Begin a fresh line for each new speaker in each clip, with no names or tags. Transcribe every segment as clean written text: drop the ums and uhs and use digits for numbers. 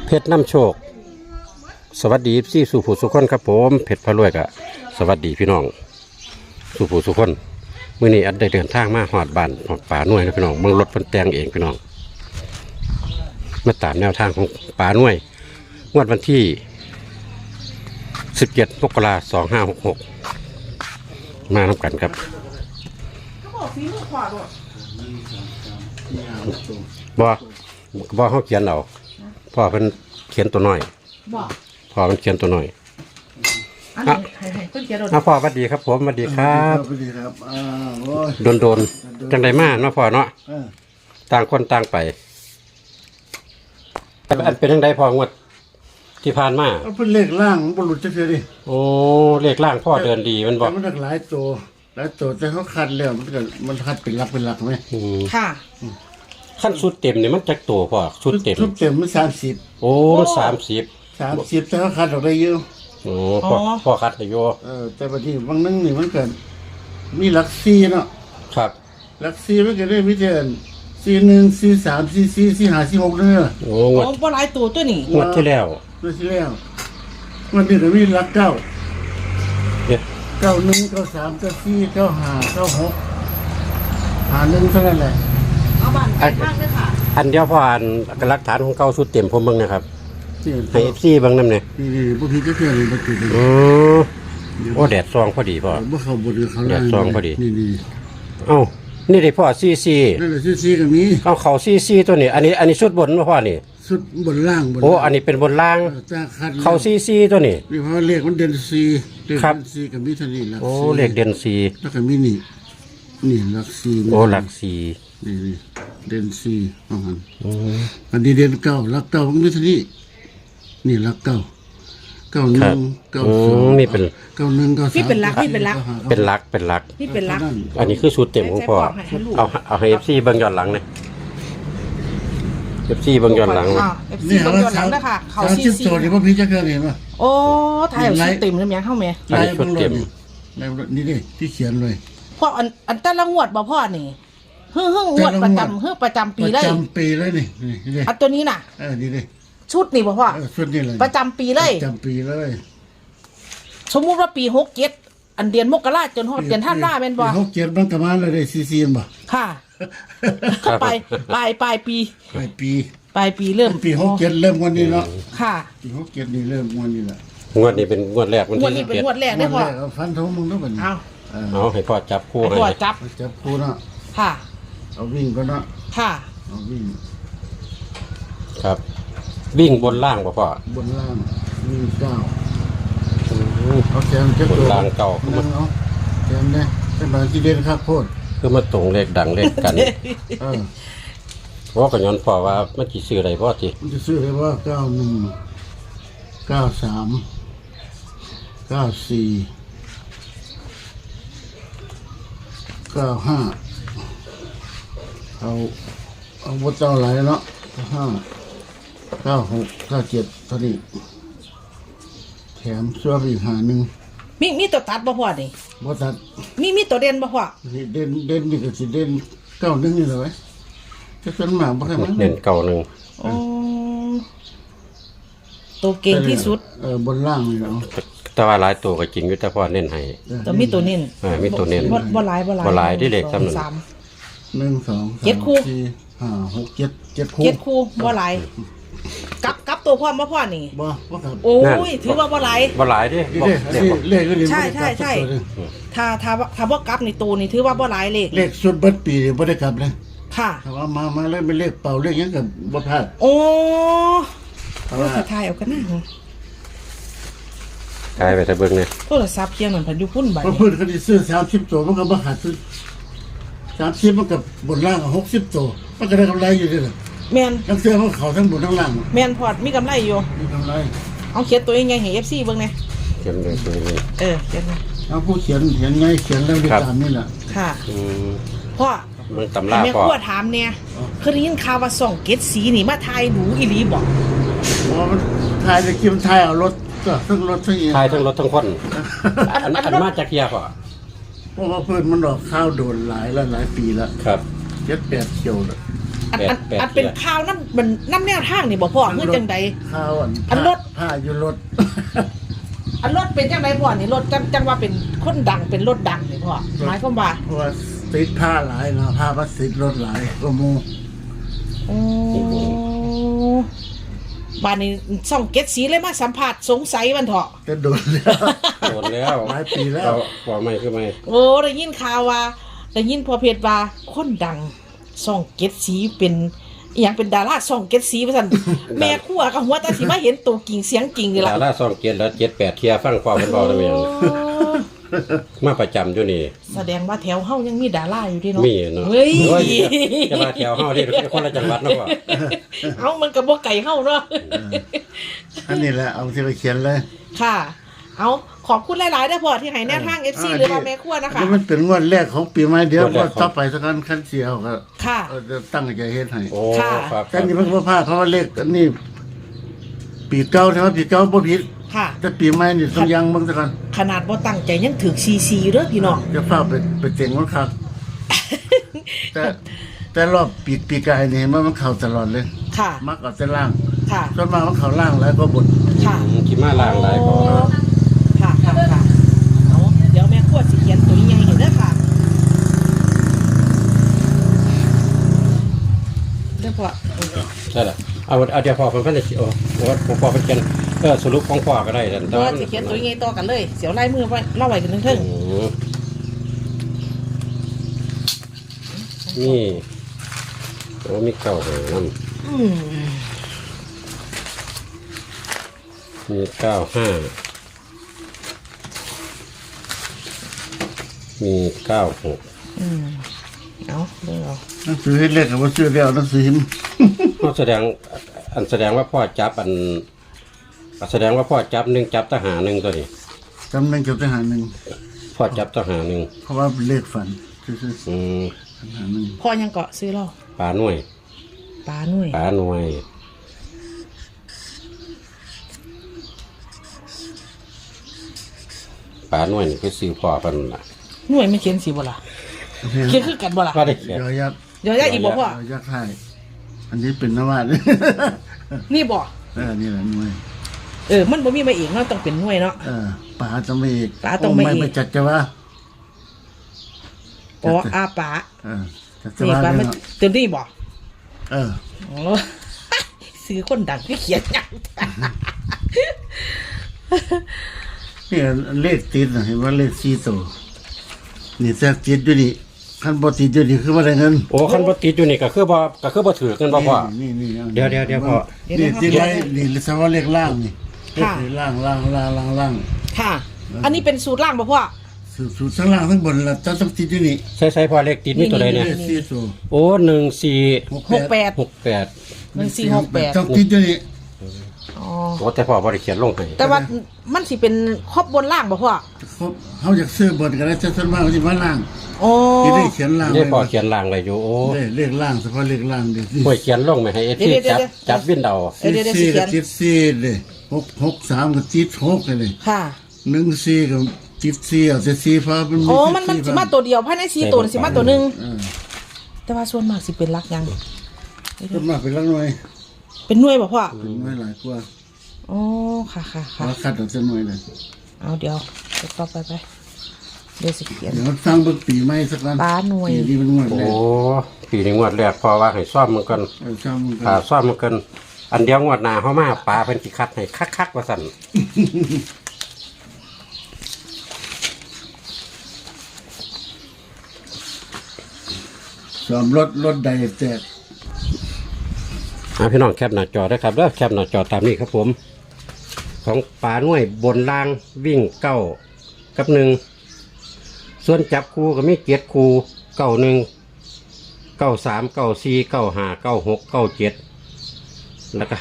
เพชรน้ำโชคสวัสดีพี่สุผู้สุขคนครับผมเพชรพะรวยกะสวัสดีพี่น้องสุผู้สุขคนมื้อนี้อัดได้เดินทางมาหอดบ้านหอดป่าหน่วยนะพี่น้องเมืองรถเพิ่นแต่งเองพี่น้องมาตามแนวทางของป่าหน่วยงวดวันที่17 มกราคม 2566มาทำกันครับบ่เขาเขียนเอาพ่อเพิ่นเขียนตัวน้อยพ่อเพิ่นเขียนตัวน้อยพ่อสวัสดีครับผมสวัสดีครับ
สวัสดีครับ
โดนจังใดมาเนาะพ่อเนาะต่างคนต่างไปอันเป็นจังใดพ่องวดที่ผ่านมา
เป็นเลขล่างบรรลุจักเสียดิ
โอ้เลขล่างพ่อเดินดีมันบอก
มันหลายตัวแต่เขาคัดแล้วมันคัดเป็นหลักไหม
ค่ะ
ขั้นชุดเต็มเนี่ยมันจักตัวพ่อชุดเต็ม
มัน30
โอ้มัน30
แต่เขาคัดออกได้เยอะ
โอ้พ่อคัดได้เยอะ
แต่บางทีบางนึงนี่มันเกิดมีหลัก4เนาะ
ครับ
หลัก4มันก็ได้มีแต่41 43 44 45 46เด้อ
โอ้
บ่หลายตัวตัวนี้
งวดที่แล้ว
มันนี่ก็มีหลัก9 91 93 94 95 9651เท่านั้นแหละ
เอาบ้านไปข้างด้วยค่ะ
อันเดียวพออันหลักฐานของเก่าสุดเต็มผมเบิ่งนะครับให้ FC เบิ่งนำเนี่ย
นี่บ่ผิดจักเทื่อนี่บ่ผิด
โอ้แดดซองพอดีพ่อ
บ่เข้าบ่ดีเขา
แดดซองพอดี
นี่
เอ้านี่ได้พ่อซี
นั่นแหละซีก็มี
เอาเขาซีตัวนี้อันนี้ชุดบนบ่พ่อนี่
ชุดบนล่าง
โอ้อันนี้เป็นบนล่างเขาซีตัวนี้
นี่เพราะเลขมันเด่นซีเลขเด่นซีก็มีเท่านี้หลัก
โอ้เลขเด่นซี
แล้วก็มีนี่หลักซี
โอ้หลักซี
นี่เด่นซีอันนี้เด่นเก้าหลักเก้ามันมีเท่านี้นี่หลักเก้า91 92
นี่เป็น
91 93
นี่เป็นหลัก
นี่เป็นหลักอันนี้คือชุดเต็มของพ่อเอาให้ FC เบิ่งย้อนหลังเลยFC เบิ่งย้อนหลัง
นี่เบิ่งย้อนหลังนะคะเขา
30ตัวนี่บ่ผิดจักเทื่อนี่ป่ะ
โอ้ถ่ายชุดเต็มแล้วแม่เข้าแม่
อันนี้ชุดเต็ม
นี่ดิที่เขียนเลย
พ่ออันแต่ละงวดบ่พ่อนี่งวดประจำปีเลย
ประจำปีเลยนี่
อันตัวนี้น่ะ
นี่ดิ
ชุดนี่บ่พ่อ
ชุดนี่เลย
ประจำปีเลย
ประจำปีเลย
สมมุติว่าปี67อันเดือนมกราคมจนฮอดเดือนธันวาคมแม่นบ่
67มันก็มาเลยได้ซีบ่
ค่ะปลายปีเริ่ม
ปี67เริ่มวันนี้เนาะ
ค่ะ
ปี67นี่เริ่มวันนี้แหละ
งวดนี้เป็นงวดแรก
วันที่เป็นงวดแรกได้พ่อ
ฟันธงมึงเนาะบัดนี้
เอาให้พ่อจับคู่ให้
พ่อจับ
คู่เนาะ
ค่ะ
เอาวิ่งก็เนาะ
ค่ะ
เอาวิ่ง
ครับวิ่งบนล่างป่ะพ่อบ
นล่างวิ่ง9เอาแขนเจ็บบ
นล่างเก่า
คือมันเอาแขนเนี่ยเป็นบางที่เด่นครับโคตร
คือมาตรงเลขดังเลขกันเพราะกันย้อนพ่อว่ามันกี่ซื้ออะไรพ่อที
มันจะซื้อได้ว่า91 93 94 95เอาวัดเจ้าไหลเนาะ5 96 97เท่านี้แถมเสื้ออีก51
มีตัวตัดบ่พ่อนี่
บ่ตัด
มีตัวเด่นบ่พ่อ
เด่นนี่ก็สิเด่น91นี่เลยจะส่วนมากบ่ค่อยมัน
เด่น91
อ๋อตัวเก่งที่สุด
บนล่างนี่เนาะ
แต่ว่าหลายตัวก็จริงอยู่แต่พ่อเน้นให้
แต่มีตัวเน้น
มีตัวเน้น
บ่หลาย
ที่เลขจำนวน
1 2
7คู่
5 6 7คู่
7คู่บ่หลายกับตัวพ่อมาพ่อนี่
บ่ครับ
โอ้ยถือว่าบ่หลาย
ดิ
เลข
ใช่ถ้าบ่กับในตัวนี่ถือว่าบ่หลายเลข
สุดเบิดปีบ่ได้กลับเลย
ค่ะ
ถ้าว่ามาแล้วเป็นเลขเป่าเลขหยังก็บ่พลาด
โอ้ว่าสิถ่ายเอากันนะ
ถ่ายไปถ้าเบิ่งเนี่ย
โทรศัพท์เคียงนั่นพันอยู่พุ่นบัด
นี้เพิ่นก็สิซื้อ30ตัวมันก็บ่ขาดซื้อ30มันก็บนล่าง60ตัวมันก็ได้กำไรอยู่เด้อ
แม่น
ทั้งเสื้อของเขาทั้งบนทั้งล่าง
แม่นพอดมีกำไรอยู่
มีกำไร
เอาเขียนตัวยังไงให้ FC เบิ่งแน่
เขียนเลยตัวนี้
เขียน
เอาผู้เขียนไงเขียนแล้วด้วยตามนี่แหละ
ค่ะพ่อ
มันตำรา
พ่อถามเนี่ยเคยได้ยินข่าวว่าส่องเกตสีนี่มาถ่ายหนูอีหลีบ่
มันถ่ายจะคิมถ่ายเอารถก็ทั้งรถทั้งอี
ถ่ายทั้งรถทั้งคนอันมาจากเกียร์ป่ะ
เพราะว่าเพิ่นมันดอกข้าวโดนหลายปีแล้ว
ครับ
7-8เที่ยวแล้ว
อันเป็นข่าวน้ำแนวทางนี่บ่พ่อเมื่อจังใด
ข้าว
อันรถ
ผ้าอยู่รถ
อันรถเป็นจังใดพ่อนี่รถจังว่าเป็นคนดังเป็นรถดังนี่พ่อหมายความว่า
เพราะว่าติดผ้าหลายนะผ้าพลาสติกรถหลายก็มู
โอ้บ้านนี้ส่องเก็ตสีเลยมาสัมผัสสงสัยมันเถอะ
จะโดนแล้ว
โดนแล้ว
หลายปีแล้ว
เอาว่าไม่คือไม่
โอ้ได้ยินข่าวว่าได้ยินพอเพจว่าคนดังส่องเก็ตสีเป็นอหย่างเป็นดาราส่องเก็ตสีว่าซั่น แม่ครัวกับหัวตาสิมาเห็นตัวกิ่งเสียงกิ่งนี่ล่ะ
ดารา2 7แล้ว7 8เที่ยฟังความเพิ่นเว้าได้แม่น
โอ้
มาประจำอยู่นี่
แสดงว่าแถวเฮายังมีดาราอยู่เดิเนาะ
มีเนาะ
เฮ้ย
โอ้ยจะมาแถวเฮาที่คนละจังหวัดเนาะพ่อ
เอ้ามันก็บ่ไก่เฮาเนาะ
อันนี้แหละเอาที่ไปเขียนเลย
ค่ะ เอาขอบคุณหลายๆเด้อพ่อที่ให้แนวทาง FC หรือว่าแม่ครัวนะคะ
อัมันเป็นงวดแรกของปีใหม่เดี๋ยวงวดต่อไปสักกันขั้นเสียวก็
ค่ะ
จะตั้งใจเฮ็ดให้
โอ้
ค่ะ
ครับ
แต่นี่มันบ่พลาดเพราะว่าเลขอันนี้ปีเก่าใช่ไหมปีเก่าบ่ผิด
ค่ะ
แต่ปีใหม่นี่ต้องยังเบิ่งซะก่อน
ขนาดบ่ตั้งใจยังถึงซีอยู่เด้อพี่น้อง
จะฟ้าไปเจ๋งมันครับ แต่รอบปีกายนี่เห็นว่ามันเข้าตลอดเลย
ค่ะ
มักเอาแต่ล่าง
ค่ะ
ส่วนมากมันเข้าล่างแล้วก็บน
ค่ะ
ขี่มาล่างหลายพอ
ค่ะค่ะค่ะเอาเดี๋ยวแม่ขวดสิเขียนตัวใหญ่เห็นเด้อค่ะเด้อพ่อ
ใช่ล่ะเอาเดี๋ยวพอเพิ่นได้โอ้พอเพิ่นเขียนสรุปของพ่อก็ได้แต่
ตัวสิเขียนตัวใหญ่ต่อกันเลยเสียวไล่มือไว้เล่าไว้กันเทิง
นี่โอ้มีเก้าหาง
ๆอืม
มี95มี96
อืมเอาเบิ่งเอา
หนังสือเฮ็ดเลขก็บ่ซื้อแล้วหนังสือหิม
เขาแสดงว่าพ่อจับแสดงว่าพ่อจับ1จับทหาร1ตัวนี้
จำหนึงเก็บทหารหนึง
พ่อจับทหาร1
เพราะว่าเป็นเลขฝันซื่อ
อืม
ๆทหารหนึง
พ่อยังเกาะซื้อเหล้า
ปลาหน่วย
ปลาหน่วย
ปลาหน่วยปลาหน่วยนี่คือซื้อพ่อเพิ่นน่ะ
หน่วยไม่เขียนสิบ่ล่ะเขียนคือกันบ่ล่ะ
ก็ได้เขียน
ยอยักษ์
เดี๋ยวได้อีกบ่พ่อย
อยักษ์ไทยอันนี้เป็นนวาด
นี่บ่
นี่แหละหน่วย
มันบ่มีมาเองเนาะต้องเป็นหน่วยเนาะ
ป่าต้องไม่อีก
ป๋าต้องไม่อีก
ไม่จัดจะว่า
อ๋ออาปา
จัดจะ
นี่
ว่า
ปลา
เลย
มัน
เนาะ
เต็มที่บ่
เออ
อ๋อ ซื้อคนดังที่เขียนหยัง
นี่เลขติดน่ะเห็นว่าเลข4ตัวนี่แท้ติดอยู่นี่คันบ่ติดอยู่นี่คือบ่ได้เงิน
โอ้คันบ่ติดอยู่นี่ก็คือบ่ถือกันบ่พ่อ
นี่
เดี๋ยวพ่อ
นี่ติดไว้นี่สว่าเลขล่างนี่เลขล่าง
ค่ะ อันนี้เป็นสูตรล่างบ่พ่อ
สูตรทั้งล่างทั้งบนแล้วต้องติดอยู่นี่
ใส่พ่อเลขติดมีตัวใดเนี่ย
เลข4ตัว
โอ้1468
1468
ต้องติดอยู่นี่
อ๋อ
โอ้แต่พ่อบ่ได้เขียนลงให้
แต่ว่ามันสิเป็นครอบบนล่างบ่พ่อ
ครบเฮาอยากซื้อบนก็ได้แต่ส่วนมากเขาสิมาล่าง
โอ้
นี่ได้เขียนล่าง
นี่พ่อเขียนล่างไว้อยู่โอ้
เลขล่างเฉพาะเลขล่างดิ
พ่อเขียนลงไว้ให้ที่จับวินเดา
เดี๋ยวสิ
4
เขี
ก็
ยน
ติด4เลย663ก็ติด6เลย
ค่ะ
14ก็ติด4เอาแต่4เพราะมัน
โอ้มันสิมาตัวเดียวภายใน4ตัวนี่สิมาตัวหนึง
เออ
แต่ว่าส่วนมากสิเป็นลักยัง
ส่วนมากเป็นลักหน่วย
เป็นหน่วยบ่พ่อ
เป็นหน่วยหลายกว่า
อ๋อค่ะ
เราคัดออกจากหน่วยเลย
เอาเดี๋ยวต่อไปเดี๋ยวสิเขียน
เดี๋ยวฟังเบิ่งปีใหม่สักวัน
ปลาหน่วย
ปีนี้มันงวด
โอ้
แรก
ปีนี้งวดแรกพ่อว่าให้ซ่อมมันก่อน
ช่างมันกั
ซ่อมมันก่อนอันเดียวงวดหน้าเฮามาปลาเพิ่นสิคัดให้คักๆว่าซั่น
สอมรถใดแตก
พี่น้องแคปหน้าจอได้ครับเด้อแคปหน้าจอตามนี้ครับผม ของปลาหน่วยบนล่างวิ่ง9กับ1ส่วนจับคู่ก็มี7คู่91 93 94 95 96 97แล้วก็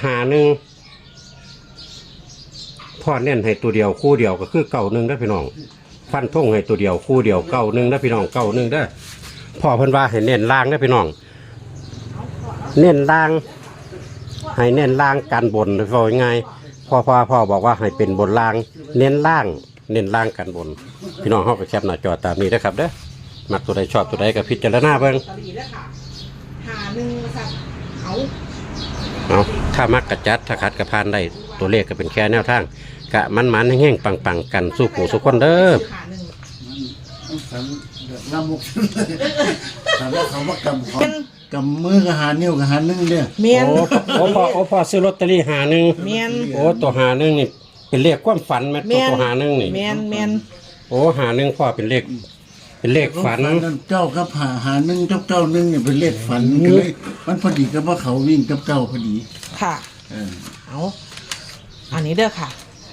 51พ่อเน้นให้ตัวเดียวคู่เดียวก็คือ91เด้อพี่น้องฟันธงให้ตัวเดียวคู่เดียว91เด้อพี่น้อง91เด้อพ่อเพิ่นว่าให้เน้นล่างเด้อพี่น้องเน้นล่างให้เน้นล่างกันบนว่าง่ายพ่อบอกว่าให้เป็นบนล่างเน้นล่างกันบนพี่น้องเฮาไปแคปหน้าจอตามนี้นะครับเด้อมักตัวใดชอบตัวใดก็พิจารณาเบิ่ง
ตลีแล้วค่ะหนึ่งว่าซั่นเอา
เอาถ้ามักกระจัดถ้าขัดกระพานได้ตัวเลขก็เป็นแค่แนวทางกะมันๆแห้งๆปังๆกันสู้ผู้สู้คนเด้อ
หาหนึ่ง
มันสันลำมุกถามว่าเขาว่ากำของกำมือกับหานิ้วกับหานึ่งเนี่ย
เมียน
โอ้พ่อซื้อลอตเตอรี่หาหนึ่ง
เมียน
โอ้ตัวหาหนึ่งนี่เป็นเลขความฝันไหม
เมียน
ตัวหาหนึ่งนี่
เมียนเมียน
โอ้หาหนึ่งพ่อเป็นเลขฝัน
นั่นเจ้ากับหานึ่งเจ้านึ่งเนี่ยเป็นเลขฝันก็เลยมันพอดีกับว่าเขาวิ่งกับเจ้าพอดี
ค่ะ
เออ
เอาอันนี้เด้อค่ะ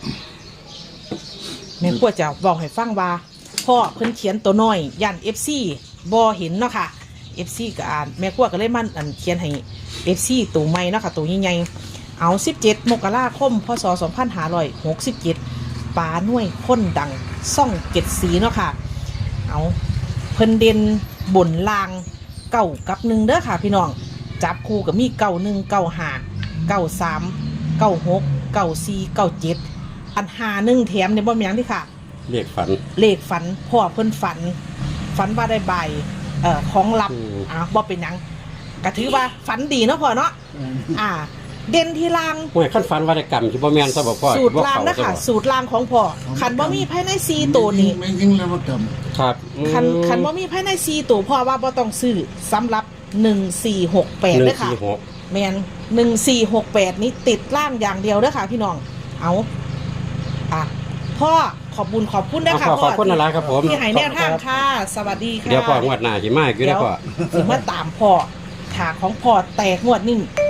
แม่ควรจะบอกให้ฟังว่าพ่อเพิ่นเขียนตัวน้อยยัน FC บ่เห็นเนาะค่ะ FC ก็อ่านแม่ควรก็เลยมันเขียนให้ FC ตัวใหม่เนาะค่ะตัวใหญ่ๆเอา17 มกราคมพศ 2567ปลาหน่วยคนดังซ่องเจ็ดสีเนาะค่ะเอาเพิ่นเด่นบนลางเก้ากับหนึ่งเด้อค่ะพี่น้องจับคู่กับมีเก้าหนึ่งเก้าห้าเก้าสามเก้าหกเก้าสี่เก้าเจ็ดอันหาหนึ่งแถมในบ่มีหยังที่ค่ะ
เลขฝัน
เลขฝันพ่อเพิ่นฝันว่าได้ใบของลับ
อืม
บ่เป็นหยังก็ถือว่าฝันดีเนาะพ่อเนาะเด่นที่ลาง
ห่วยขั้นฝันว่าได้กรรมที่บ่แม่นซะบ่พ่อ
สูตรลางนะคะสูตรลางของพ่อคันบ่มีภายใน4ตัวนี้
ไม่ยิ่งแล้วว่าก
ครับ
คันบ่มีภายใน4ตัวพ่อว่าบ่ต้องซื้อสำหรับ1468
หนึ่
เด้
ง
อค่ะ
สี่หก
แมน1468 นี้ติดล่างอย่างเดียวเด้อค่ะพี่น้องเอาพ่อขอบคุณเด้อค่ะ
ขอบคุณอะไรครับผม
ที่ให้แนวทางค่ะ สวัสดีค่ะ
เดี๋ยวพ่องวดหน้าสิมาอีกอยู่
เดี๋
นะ
ยว
พ่อ
ถึงมาตามพ่อถาของพ่อแตกงวดนี่